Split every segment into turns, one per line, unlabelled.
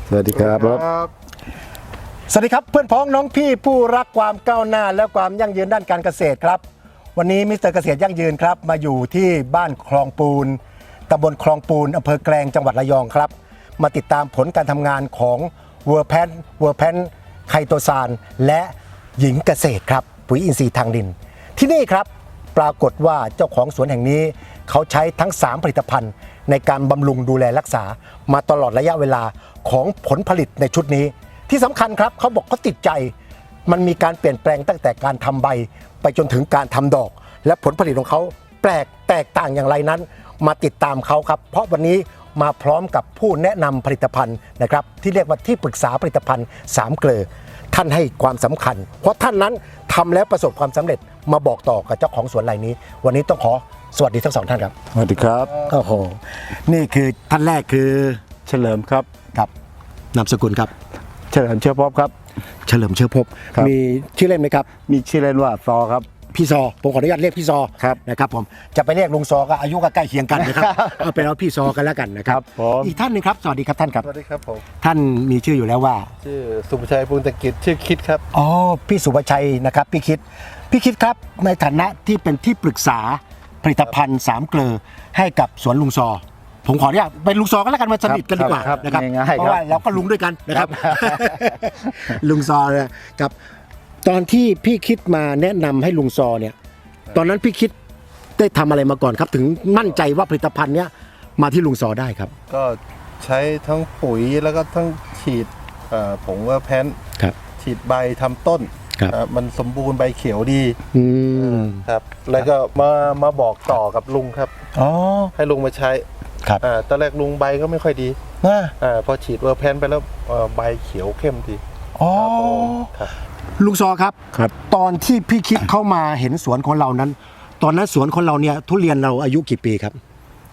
สวัสดีครับ
สวัสดีครับเพื่อนพ้องน้องพี่ผู้รักความก้าวหน้าและความยั่งยืนด้านการเกษตรครับวันนี้มิสเตอร์เกษตรยั่งยืนครับมาอยู่ที่บ้านคลองปูนตำบลคลองปูนอำเภอแกลงจังหวัดระยองครับมาติดตามผลการทำงานของเวอร์แพนไคโตซานและหญิงเกษตรครับปุ๋ยอินทรีย์ทางดินที่นี่ครับปรากฏว่าเจ้าของสวนแห่งนี้เขาใช้ทั้ง3ผลิตภัณฑ์ในการบำรุงดูแลรักษามาตลอดระยะเวลาของผลผลิตในชุดนี้ที่สำคัญครับเขาบอกเขาติดใจมันมีการเปลี่ยนแปลงตั้งแต่การทำใบไปจนถึงการทำดอกและผลผลิตของเขาแตกต่างอย่างไรนั้นมาติดตามเขาครับเพราะวันนี้มาพร้อมกับผู้แนะนำผลิตภัณฑ์นะครับที่เรียกว่าที่ปรึกษาผลิตภัณฑ์3เกลอท่านให้ความสำคัญเพราะท่านนั้นทำแล้วประสบความสำเร็จมาบอกต่อกับเจ้าของสวนรายนี้วันนี้ต้องขอสวัสดีทั้ง2ท่านครับ
สวัสดีครับ
โอ้โหนี่คือท่านแรกคือ
เฉลิมครับ
ครับนามสกุลครับ
เฉลิมเชื้อพบครับ
เฉลิมเชื้อพบมีชื่อเล่นไหมครับ
มีชื่อเล่นว่าซอครับ
พี่ซอผมขออนุญาตเรียกพี่ซอนะครับผมจะไปเรียกลุงซอก็อายุก็ใกล้เคียงกันนะครับเอาเป็นเอาพี่ซอกันแล้วกันนะครับอีกท่านหนึ่งครับสวัสดีครับท่านครับ
สวัสดีครับผม
ท่านมีชื่ออยู่แล้วว่า
ชื่อสุภชัยปุณตกิจชื่อคิดครับ
อ๋อพี่สุภชัยนะครับพี่คิดครับในฐานะที่เป็นที่ปรึกษาผลิตภัณฑ์3เกลอให้กับสวนลุงซอผมขออนุญาตเป็นลุงซอกันแล้วกันมาสนิทกันดีกว่านะครับเพราะว่าเราก็ลุงด้วยกันนะครับลุงซอเนี่ยกับตอนที่พี่คิดมาแนะนำให้ลุงซอเนี่ยตอนนั้นพี่คิดได้ทำอะไรมาก่อนครับถึงมั่นใจว่าผลิตภัณฑ์เนี้ยมาที่ลุงซอได้ครับ
ก็ใช้ทั้งปุ๋ยแล้วก็ทั้งฉีดผงเวอร์แพนฉีดใบทำต้นมันสมบูรณ์ใบเขียวดีครับแล้วก็มาบอกต่อกับลุงครับให้ลุงมาใช้
ครับ
ตอนแรกลุงใบก็ไม่ค่อยดีพอฉีดเวอร์แพนไปแล้วใบเขียวเข้มดี
ครับลุงซอครับตอนที่พี่คิดเข้ามาเห็นสวนของเรานั้นตอนนั้นสวนของเราเนี่ยทุเรียนเราอายุกี่ปีครับ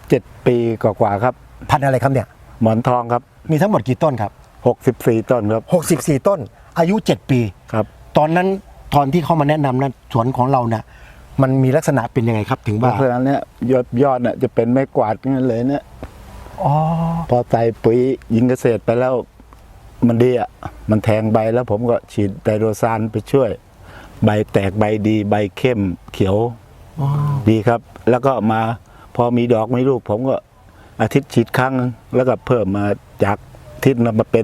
7 ปีกว่าครับ
พันธุ์อะไรครับเนี่ย
หมอนทองครับ
มีทั้งหมดกี่ต้นครับ
64ต้นครับ
64ต้นอายุ7ปี
ครับ
ตอนนั้นตอนที่เขามาแนะนำนั้นสวนของเราเนี่ยมันมีลักษณะเป็นยังไงครับถึงว่า
เพราะฉะนั้นเนี่ยยอดเนี่ยจะเป็นไม้กวาดงั้นเลยเนี่ยพอใส่ปุ๋ยหญิงเกษตรไปแล้วมันดีอ่ะมันแทงใบแล้วผมก็ฉีดไดโรซานไปช่วยใบแตกใบดีใบเข้มเขียวดีครับแล้วก็มาพอมีดอกมีลูกผมก็อาทิตย์ฉีดครั้งแล้วก็เพิ่มมาจากอาทิตย์มาเป็น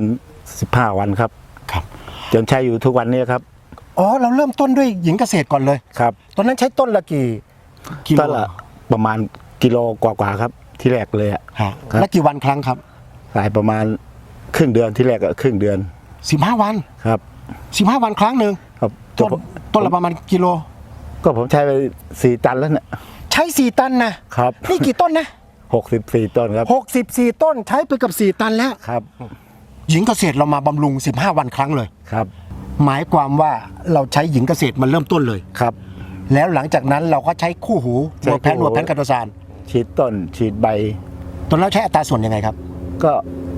15 วันครับจนใช้อยู่ทุกวันนี้ครับ
เราเริ่มต้นด้วยหญิงเกษตรก่อนเลย
ครับ
ตอนนั้นใช้ต้นละกี่
ต้นละประมาณกิโลกว่าครับที่แรกเลยอ่ะ
แล้วกี่วันครั้งครับ
สายประมาณครึ่งเดือนที่แรกก็ครึ่งเดือน
15 วัน
ครับ
15 วันครั้งหนึ่ง
ครับ
ต้นละประมาณกิโล
ก็ผมใช้ไป4 ตันแล้วเนี่ย
ใช้4 ตันนะครับนี่กี่ต้นนะ
64ต้นครับ
64ต้นใช้ไปกับ4 ตันแล้ว
ครับ
หญิงเกษตรเรามาบำรุง15 วันครั้งเลย
ครับ
หมายความว่าเราใช้หญิงเกษตรมันเริ่มต้นเลย
ครับ
แล้วหลังจากนั้นเราก็ใช้คู่หูเวอร์แพนคาโตซาน
ฉีดต้นฉีดใบ
ตอนนั้นใช้อัตราส่วนยังไงครับ
ก็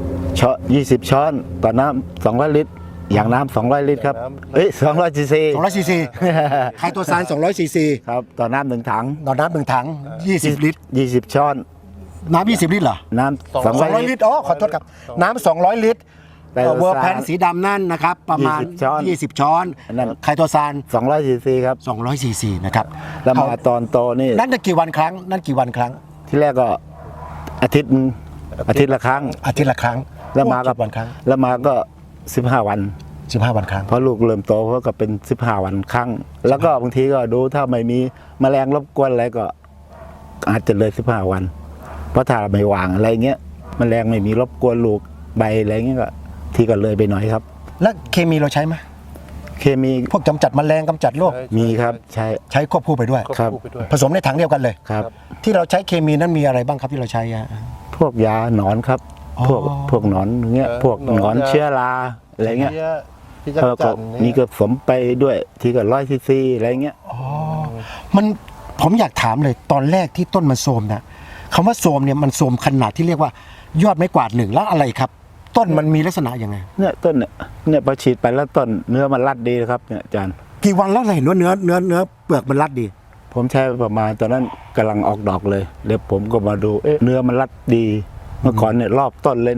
20 ช้อนต่อน้ำ200 ลิตรอย่างน้ำ200 ลิตรครับ200 ซีซี
ไคโตซาน200 ซีซี
ครับต่อน้ำ1 ถัง
1 ถัง20 ลิตร
20 ช้อน
น้ำ20 ลิตรเหรอ
น้ำ
200 ลิตรขอโทษครับน้ำ200 ลิตรเวอร์แพนสีดำนั่นนะครับประมาณ20 ช้อนไคโตซาน
200 ซีซีครับ
200 ซีซีนะครับ
แล้วมาตอนโตนี่
นั่นกี่วันครั้ง
ที่แรกก็อาทิตย์ละครั้งแล้วมาก็
วันครั้ง
แล้วมาก็15 วัน
ครั้ง
เพราะลูกเริ่มโตเพราะก็เป็น15 วันครั้งแล้วก็บางทีก็ดูถ้าไม่มีแมลงรบกวนอะไรก็อาจจะเลย15 วันเพราะถ้าไม่วางอะไรเงี้ยแมลงไม่มีรบกวนลูกใบอะไรเงี้ยก็ที่ก็เลยไปหน่อยครับ
แล้วเคมีเราใช้ไหม
เคมี
พวกกำจัดแมลงกำจัดโรค
มีครับใช้
ควบคู่ไปด้วย
ครับ
ผสมในถังเดียวกันเลย
ครับ
ที่เราใช้เคมีนั้นมีอะไรบ้างครับที่เราใช้
พวกยาหนอนครับพวกหนอนเงี้ยพวกหนอนเชื้อราอะไรเงี้ยก็มีก็ผสมไปด้วยทีก็100 ซีซีอะไรเงี้ย
ผมอยากถามเลยตอนแรกที่ต้นมันโทรมนะคำว่าโทรมเนี่ยมันโทรมขนาดที่เรียกว่ายอดไม้กวาด1แล้วอะไรครับต้นมันมีลักษณะยังไง
เนี่ยต้นเนี่ยพอฉีดไปแล้วต้นเนื้อมันรัดดีครับเนี่ยอาจารย์
กี่วันแล้วเราเห็นว่าเนื้อเปลือกมันรัดดี
ผมใช้ประมาณตอนนั้นกำลังออกดอกเลยเดี๋ยวผมก็มาดูเนื้อมันรัดดีเมื่อก่อนเนี่ยรอบต้นเลยเนี่ย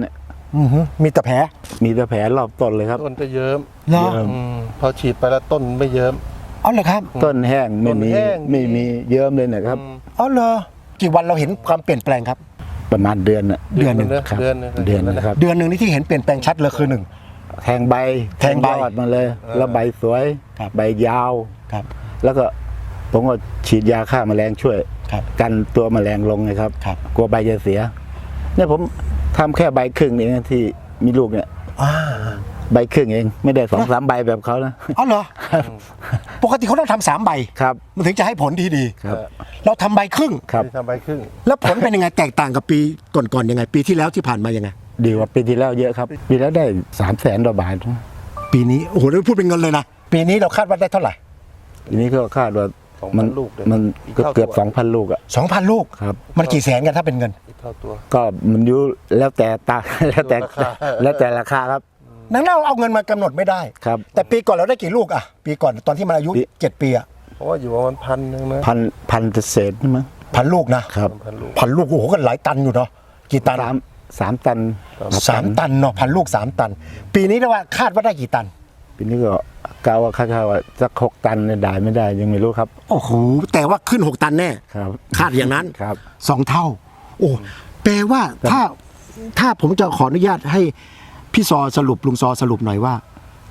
มีแต่แผล
มีแต่แผลรอบต้นเลยครับ
ต้นจะเยิ้ม
เหรอ
เยิ้ม
พอฉีดไปแล้วต้นไม่เยิ้ม
อ๋อเหรอครับ
ต้นแห้งไม่มี
ต้นแห้ง
ไม่มีเยิ้มเลยนะครับ
อ๋อเหรอกี่วันเราเห็นความเปลี่ยนแปลงครับ
ประมาณเดือนน่ะ
เดือนหนึ่ง
ครับ
เดือนหนึง
เดือนนะครับ
เดือนหนึ่งนี่ที่เห็นเปลี่ยนแปลงชัดเลยคือหนึ่ง
แทงใบ
แทงใบ
ยอดมาเลย แล้วใบสวย
ครับ
ใบยาว
ครับ
แล้วก็ผมก็ฉีดยาฆ่าแมลงช่วย
ครับ
กันตัวแมลงลงนะครับ
ครับ
กลัวใบจะเสียเนี่ยผมทำแค่ใบครึ่งเองนะที่มีลูกเนี่ย
อ่า
ใบครึ่งเองไม่ได้2-3ใบแบบเขานะ
อ๋อเหรอปกติเขาต้องทำ3ใบ
ครับ
มันถึงจะให้ผลที่ดี
ครับ
เราทำใบครึ่ง
ครับ
ที่ทำใบครึ่ง
แล้วผลเป็นยังไงแตกต่างกับปีก่อนๆยังไง ปีที่แล้วที่ผ่านมายังไง
ดีกว่าปีที่แล้วเยอะครับ ปีแล้วได้300,000 กว่าบาท
ปีนี้โอ้โหได้พูดเป็นเงินเลยนะปีนี้เราคาดว่าได้เท่าไหร่
ทีนี้ก็คาดว่า
2,000
มัน
ลูกเลย
มัน
อีก
ก็
เท่า
เกือบ
ตัว
2,000 ลูกอ่ะ
2,000 ลูก
ครับ
มันกี่แสนกันถ้าเป็นเงิน
อีกเท่าตัว
ก็มันอยู่แล้วแต่ตา แล้วแต่
ราคา
แล้วแต่ราคาครับ
นังเราเอาเงินมากำหนดไม่ได้
ครับ
แต่ปีก่อนเราได้กี่ลูกอะปีก่อนตอนที่มันอายุ
ปี
7 ปีอะ
เพราะว่าอยู่ประมาณ1,000นะ
พันเศษนี่มั้ง
1,000 ลูกนะครับ
1,000 ลูก
1,000 ลูกโอ้โหก็หลายตันอยู่เนาะกี่ตัน
สามตัน
3 ตันเนาะ1,000 ลูก 3 ตัน ปีนี้ได้ว่าคาดว่าได้กี่ตัน
ปีนี้ก็กะว่าคาดว่าสัก6 ตันเนี่ยได้ไม่ได้ยังไม่รู้ครับ
โอ้โหแต่ว่าขึ้น 6 ตันแน่
ครับ
คาดอย่างนั้น
ครับ
2 เท่า โอ้แปลว่าถ้าผมจะขออนุญาตให้พี่ซอสรุปลุงซอสรุปหน่อยว่า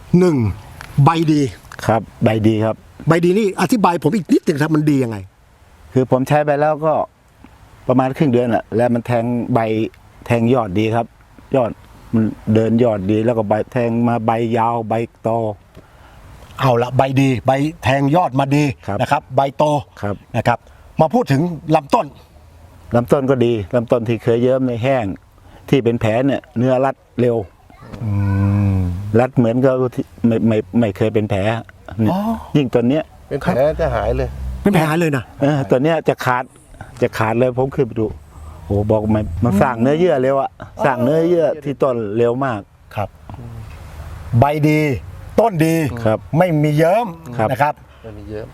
1. ใบดี
ครับใบดีครับ
ใบดีนี่อธิบายผมอีกนิดหนึงครับมันดียังไง
คือผมใช้ไปแล้วก็ประมาณครึ่งเดือนอะแล้วมันแทงใบแทงยอดดีครับ ยอดมันเดินยอดดีแล้วก็ใบแทงมาใบยาวใบโต
เอาละใบดีใบแทงยอดมาดี
ครับ
นะครับ ใบโต
ครับ
นะครับ มาพูดถึงลำต้น
ลำต้นก็ดีลำต้นที่เคยเยิ้มในแห้ง ที่เป็นแผลเนี่ยเนื้อรัดเร็วรัดเหมือนกับที่ไม่เคยเป็นแผลเนี่ย
อ๋อ
ยิ่งตัวเนี้ย
เป็นแผลจะหายเลย
เป็นแผลเลยนะ
ตัวเนี้ยจะขาดเลยผมขึ้นไปดูโอ้บอกมันสร้างเนื้อเยื่อเร็วอะสร้างเนื้อเยื่อที่ต้นเร็วมาก
ครับ ใบดี ต้นดี
ครับ
ไม่มีเยิ้ม
ครับ
นะครับ
มันมีเยอะ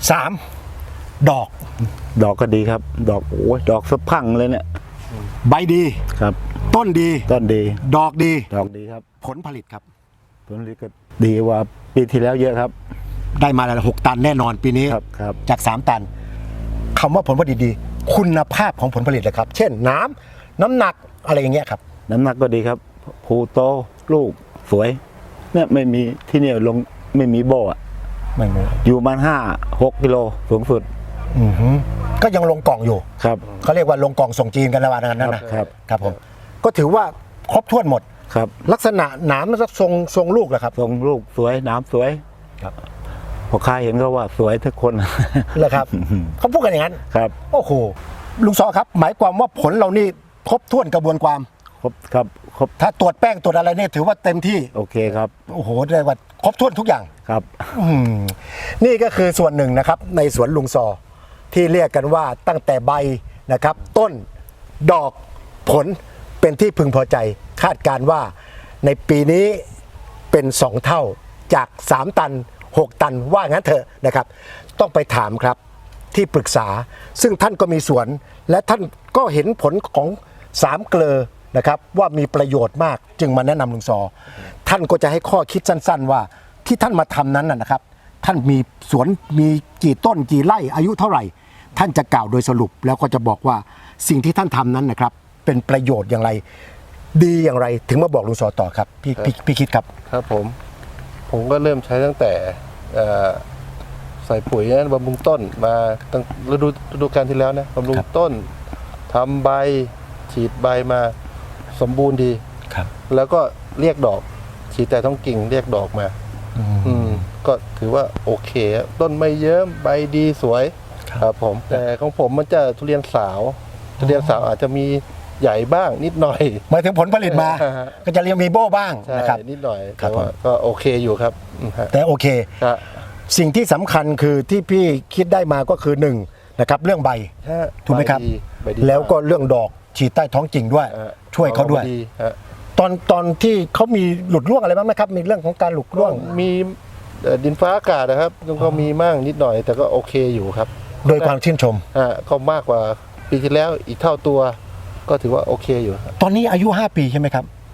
3. ดอก
ดอกก็ดีครับ ดอกโอ้ยดอกสะพรังเลยเนี่ย
ใบดี
ครับ
ต้นดี
ต้นดี
ดอกดี
ดอกดีครับ
ผลผลิตครับ
ผลผลิตก็ดีกว่าปีที่แล้วเยอะครับ
ได้มาแล้ว6 ตันแน่นอนปีนี้
ครับ
จาก 3 ตันคำว่าผลผลิตดี คุณภาพของผลผลิตเลยครับ เช่นน้ำหนักอะไรอย่างเงี้ยครับ
น้ำหนักก็ดีครับภูโตลูกสวย เนี่ยไม่มีที่เนี่ยลงไม่มีโบอะ
ไม่ไม่
อยู่ประมัน5-6 กิโลสูงสุด
ก็ยังลงกล่องอยู่
ครับ
เขาเรียกว่าลงกล่องส่งจีนกันระหว่างนั้นนะครับ ครับผมก็ถือว่าครบถ้วนหมด
ครับ
ลักษณะหนามมันจะทรงลูกเหรอครับ
ทรงลูกสวยน้ำสวย
ครับ
พอค้าเห็นก็ว่าสวยทุกคน
เหรอครับ เขาพูดกันอย่างนั้น
ครับ
โอ้โหลุงซอครับ หมายความว่าผลเรานี่ครบถ้วนกระบวนความ
ครบครับครบ
ถ้าตรวจแป้งตรวจอะไรเนี่ยถือว่าเต็มที่
โอเคครับ
โอ้โหเรียกว่าครบถ้วนทุกอย่าง
ครับ
นี่ก็คือส่วนหนึ่งนะครับในสวนลุงซอที่เรียกกันว่าตั้งแต่ใบนะครับ ต้นดอกผลเป็นที่พึงพอใจ คาดการณ์ว่าในปีนี้เป็น 2 เท่าจาก 3 ตัน 6 ตันว่างั้นเถอะนะครับ ต้องไปถามครับที่ปรึกษา ซึ่งท่านก็มีสวน และท่านก็เห็นผลของ3เกลอนะครับว่ามีประโยชน์มากจึงมาแนะนำลุงซอ ท่านก็จะให้ข้อคิดสั้นๆว่าที่ท่านมาทำนั้นนะครับ ท่านมีสวนมีกี่ต้นกี่ไร่อายุเท่าไหร่ ท่านจะกล่าวโดยสรุปแล้วก็จะบอกว่าสิ่งที่ท่านทำนั้นนะครับ เป็นประโยชน์อย่างไร ดีอย่างไรถึงมาบอกลุงซอต่อครับพี่คิดครับ
ครับผมก็เริ่มใช้ตั้งแต่ใส่ปุ๋ยนะบำรุงต้นมาตั้งฤดูกาลที่แล้วนะบำรุงต้นทำใบฉีดใบมาสมบูรณ์ดี
ครับ
แล้วก็เรียกดอกฉีดแต่ท้องกิ่งเรียกดอกมาก็ถือว่าโอเคอะต้นไม่เยิ้มใบดีสวยครับผมแต่ของผมมันจะทุเรียนสาวอาจจะมีใหญ่บ้างนิดหน่อย
หมายถึงผลผลิตมา ก็จะเรียงมีโบ้บ้าง
ใช่
นะครับ
นิดหน่อย
ครั
แต่
บ
ว่าก็โอเคอยู่ครับฮะ
แต่โอเค
ฮะ
สิ่งที่สำคัญคือที่พี่คิดได้มาก็คือ1นะครับเรื่องใบ
ฮะ
ถูกไหมครับ
ใบดี
แล้วก็เรื่องดอกฉีดใต้ท้องกิ่งด้วย
ฮะ
ช่วยเขาด้วย
ฮะ
ตอนที่เขามีหลุดร่วงอะไรบ้างไหมครับ มีเรื่องของการหลุดร่วง
มีดินฟ้าอากาศนะครับก็มีมั่งนิดหน่อย แต่ก็โอเคอยู่ครับ
โดยความชื่นชม
ก็มากกว่าปีที่แล้วอีกเท่าตัว ก็ถือว่าโอเคอยู่ครับ
ตอนนี้อายุ5 ปีใช่ไหมครับ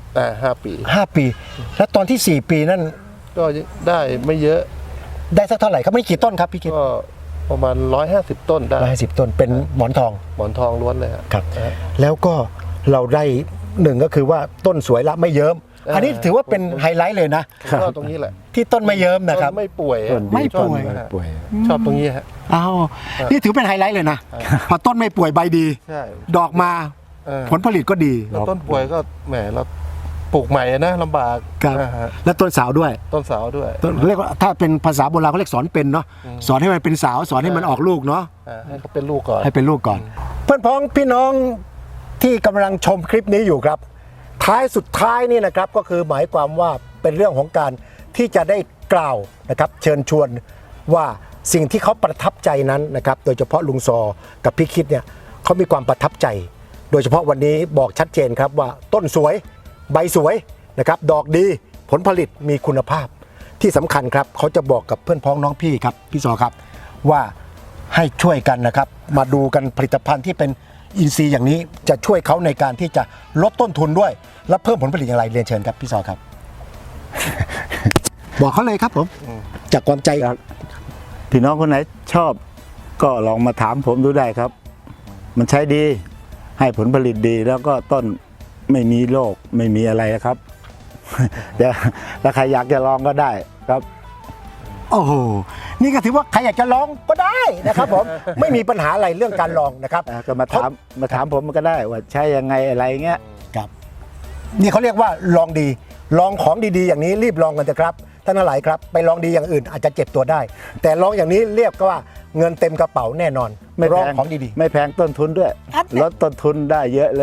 5 ปี
5 ปี แล้วตอนที่ 4 ปีนั่น
ก็ได้ไม่เยอะ
ได้สักเท่าไหร่ครับไม่กี่ต้นครับพี่คิด
ก็ประมาณ150 ต้นได้
150 ต้นเป็นหมอนทอง
หมอนทองล้วนเลยครับ
แล้วก็เราได้หนึ่งก็คือว่าต้นสวยละไม่เยิ้มอันนี้ถือว่าเป็นไฮไลท์เลยนะ
ชอบตรงนี้แหละ
ที่ต้นไม่เยิ้มนะครับ
ต้นไม่ป่วย
ต้นดี
ไม่ป่วย
ต้นไม่ป่วย
ชอบตรงนี้ฮะ
อ้าวนี่ถือเป็นไฮไลท์เลยนะพอต้นไม่ป่วยใบดี
ใช่
ดอกมา
เออ
ผลผลิตก็ดี
แล้วต้นป่วยก็แหมเราปลูกใหม่นะลำบาก
ครับ
นะฮะ
และต้นสาวด้วย
ต้นเสาวด้วย
ต้นเรียกว่าถ้าเป็นภาษาโบราณเขาเรียกสอนเป็นเนาะสอนให้มันเป็นสาวสอนให้มันออกลูกเนาะ
ให้เขาเป็นลูกก่อน
ให้เป็นลูกก่อน เพื่อนพ้องพี่น้องที่กำลังชมคลิปนี้อยู่ครับ ท้ายสุดท้ายนี่นะครับก็คือหมายความว่าเป็นเรื่องของการที่จะได้กล่าวนะครับเชิญชวนว่าสิ่งที่เขาประทับใจนั้นนะครับโดยเฉพาะลุงซอกับพี่คิดเนี่ยเขามีความประทับใจ โดยเฉพาะวันนี้บอกชัดเจนครับว่าต้นสวยใบสวยนะครับดอกดีผลผลิตมีคุณภาพที่สำคัญครับเขาจะบอกกับเพื่อนพ้องน้องพี่ครับพี่ซอครับว่าให้ช่วยกันนะครับมาดูกันผลิตภัณฑ์ที่เป็นอินทรีย์อย่างนี้จะช่วยเขาในการที่จะลดต้นทุนด้วย และเพิ่มผลผลิตอย่างไรเรียนเชิญครับพี่ซอครับ บอกเขาเลยครับผมจากความใจ
พี่น้องคนไหนชอบก็ลองมาถามผมดูได้ครับ มันใช้ดีให้ผลผลิตดีแล้วก็ต้นไม่มีโรคไม่มีอะไรนะครับ เดี๋ยวถ้าใครอยากจะลองก็ได้ครับ
โอ้โหนี่ก็ถือว่าใครอยากจะลองก็ได้นะครับผม ไม่มีปัญหาอะไรเรื่องการลองนะครับ
ก็มาถามผมก็ได้ว่าใช้ยังไงอะไรเงี้ย
ครับนี่เขาเรียกว่าลองดีลองของดีๆอย่างนี้รีบลองกันเถอะครับท่านทั้งหลายครับไปลองดีอย่างอื่นอาจจะเจ็บตัวได้ แต่ลองอย่างนี้เรียกว่าเงินเต็มกระเป๋าแน่นอน
ไม่
ล
แพ
อง
ง
ของดี
ไม่แพงต้นทุนด้วย
ครับ
ลดต้นทุนได้เยอะเลย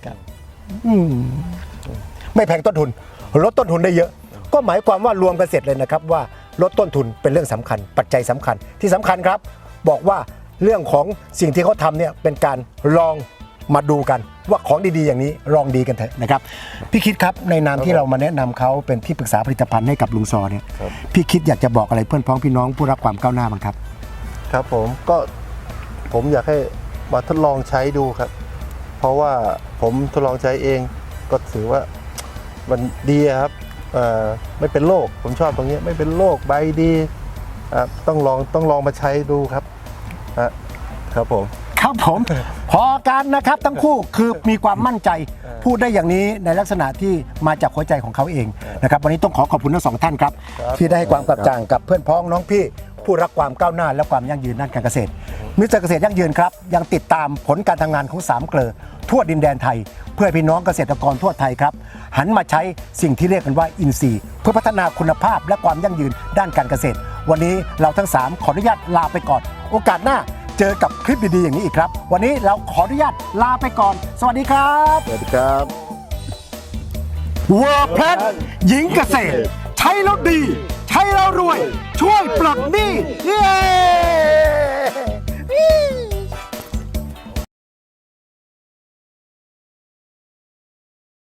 ๆไม่แพงต้นทุนลดต้นทุนได้เยอะ ก็หมายความว่ารวมกันเสร็จเลยนะครับว่าลดต้นทุนเป็นเรื่องสำคัญ ปัจจัยสำคัญที่สำคัญครับ บอกว่าเรื่องของสิ่งที่เขาทำเนี่ยเป็นการลองมาดูกันว่าของดีๆอย่างนี้ลองดีกันเถอะนะครับพี่คิดครับในนามที่เรามาแนะนำเขาเป็นที่ปรึกษาผลิตภัณฑ์ให้กับลุงซอเนี่ย
ครับ
พี่คิดอยากจะบอกอะไรเพื่อนพ้องพี่น้องผู้รักความก้าวหน้าบ้างครับ
ครับผมอยากให้มาทดลองใช้ดูครับ เพราะว่าผมทดลองใช้เองก็ถือว่ามันดีอะครับไม่เป็นโรคผมชอบตรงนี้ไม่เป็นโรคใบดีต้องลองมาใช้ดูครับครับผม
ครับผม พอกันนะครับทั้งคู่คือมีความมั่นใจพูดได้อย่างนี้ในลักษณะที่มาจากหัวใจของเขาเองนะครับวันนี้ต้องขอขอบคุณทั้งสองท่านครับ
ครับ
ที่ได้ให้ความกระจ่างกับเพื่อนพ้องน้องพี่ผู้รักความก้าวหน้าและความยั่งยืนด้านการเกษตรมิสเตอร์เกษตรยั่งยืนครับยังติดตามผลการทำงานของ3เกลอทั่วดินแดนไทย เพื่อให้พี่น้องเกษตรกรทั่วไทยครับหันมาใช้สิ่งที่เรียกกันว่าอินทรีย์เพื่อพัฒนาคุณภาพและความยั่งยืนด้านการเกษตร วันนี้เราทั้ง3ขออนุญาตลาไปก่อนโอกาสหน้าเจอกับคลิปดีๆอย่างนี้อีกครับวันนี้เราขออนุญาตลาไปก่อน สวัสดีครับ
สวัสดีครับ
เวอร์แพลนหญิงเกษตร ใช้แล้วดี ใช้แล้วรวย ช่วยปลดหนี้เย้